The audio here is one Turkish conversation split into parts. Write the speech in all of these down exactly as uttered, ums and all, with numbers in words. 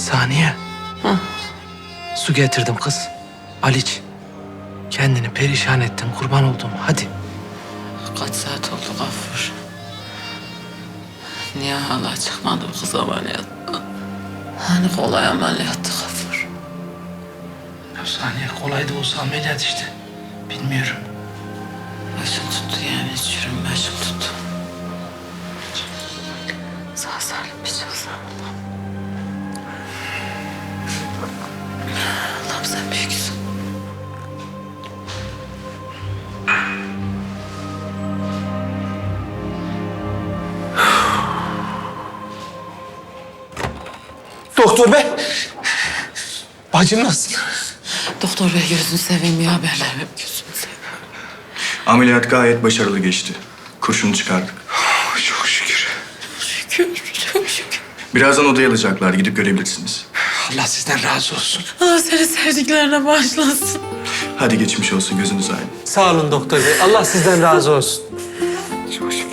Saniye. Hı. Su getirdim kız. Aliç. Kendini perişan ettin, kurban oldum. Hadi. Kaç saat oldu Gafur? Niye hala çıkmadı bu kız ameliyattan? Hani kolay ameliyattı Gafur? Ya Saniye, kolay da olsa ameliyat işte. Bilmiyorum. Başım tuttu yani, çürüm başım tuttu. Sağ salim bir çıksın. Allah'ım sen büyüksün. Doktor bey. Bacım nasıl? Doktor bey gözünü seveyim ya, haberler ver gözünü seveyim. Ameliyat gayet başarılı geçti. Kurşunu çıkardık. Çok şükür. Şükür, çok şükür. Birazdan odaya alacaklar. Gidip görebilirsiniz. Allah sizden razı olsun. Allah seni sevdiklerine bağışlasın. Hadi geçmiş olsun. Gözünüz aydın. Sağ olun doktor bey. Allah sizden razı olsun. Çok şükür.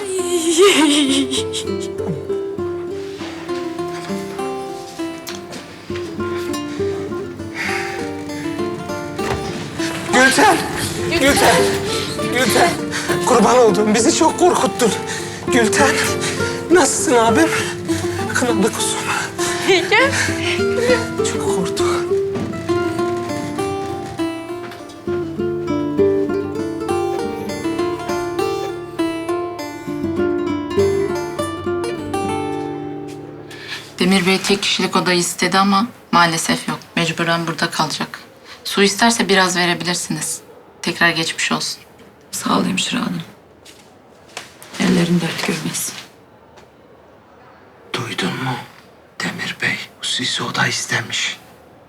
Gülten! Gülten! Gülten! Kurban olduğum, bizi çok korkuttun. Gülten! Nasılsın abim? Kınalı kuzum. Yenge. Çok korktum. Demir Bey tek kişilik odayı istedi ama maalesef yok. Mecburen burada kalacak. Su isterse biraz verebilirsiniz. Tekrar geçmiş olsun. Sağ ol hemşire hanım. Ellerin dert görmesin. Duydun mu? Demir Bey hususi oda istemiş.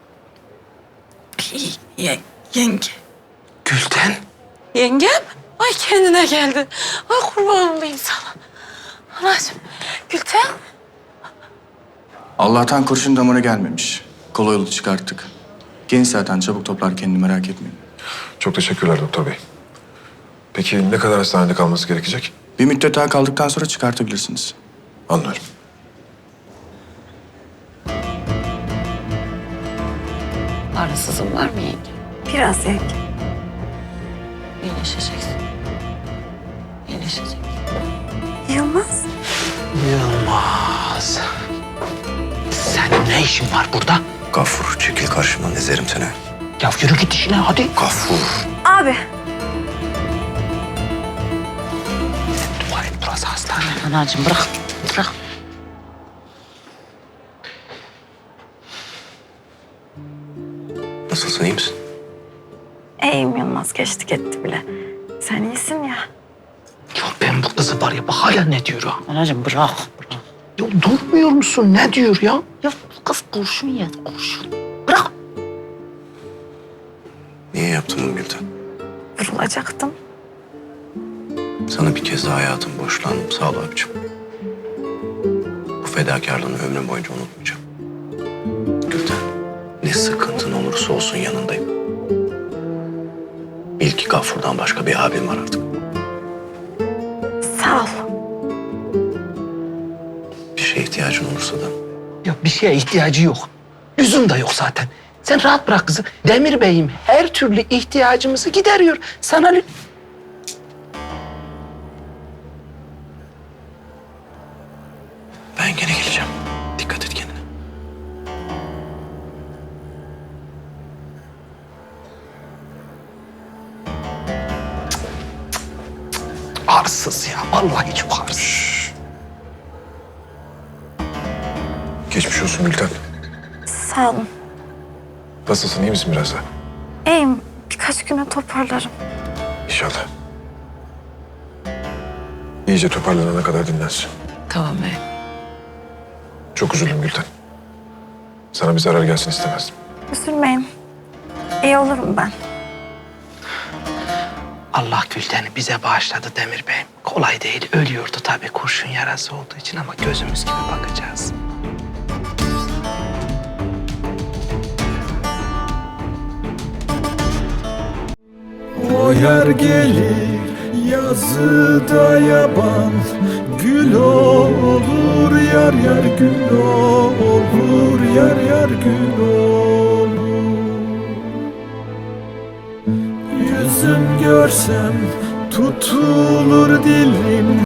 Ye, yenge. Gülten! Yengem? Ay kendine geldi. Ay kurban olayım sana. Anacığım, Gülten. Allah'tan kurşun damara gelmemiş. Kolay yolu çıkarttık. Genç zaten, çabuk toplar kendini, merak etmeyin. Çok teşekkürler doktor bey. Peki ne kadar hastanede kalması gerekecek? Bir müddet daha kaldıktan sonra çıkartabilirsiniz. Anlıyorum. Ağrısızın var mı yenge? Biraz yenge. İyileşeceksin. İyileşeceksin. Yılmaz. Yılmaz. Senin ne işin var burada? Gafur, çekil karşımdan, ezerim seni. Ya yürü git işine hadi. Gafur. Abi. Dua et, burası hastane. Anacığım bırak, bırak. Nasılsın, iyi misin? İyiyim Yılmaz. Geçti gitti bile. Sen iyisin ya. Ya ben bu kızı var ya, bak hala ne diyor ha? Anacığım bırak, bırak. Ya durmuyor musun? Ne diyor ya? Ya bu kız kurşun yedi, kurşun. Bırak. Niye yaptın bunu Gülten? Vurulacaktım. Sana bir kez daha hayatım borçlandım, sağ ol abicim. Bu fedakarlığını ömrüm boyunca unutmayacağım. Gülten, ne sıkıntın olursa olsun yanındayım. Bil ki Gafur'dan başka bir abim var artık. Sağ ol. Bir şeye ihtiyacın olursa da Ya bir şeye ihtiyacı yok. Lüzum da yok zaten. Sen rahat bırak kızı. Demir Bey'im her türlü ihtiyacımızı gideriyor. Sana lü- ben gene geleceğim. Dikkat et kendine. arsız ya. Vallahi çok arsız. Geçmiş olsun Gülten. Sağ olun. Nasılsın, iyi misin biraz da? İyiyim. Birkaç güne toparlarım. İnşallah. İyice toparlanana kadar dinlensin. Tamam bey. Çok üzüldüm Gülten. Sana bir zarar gelsin istemezdim. Üzülmeyin. İyi olurum ben. Allah Gülten'i bize bağışladı Demir Bey'im. Kolay değil. Ölüyordu tabii kurşun yarası olduğu için ama gözümüz gibi bakacağız. O yer gelir yazıda yaban, gül olur yar yar gül olur, yar yar gül olur. Yüzün görsem tutulur dilim.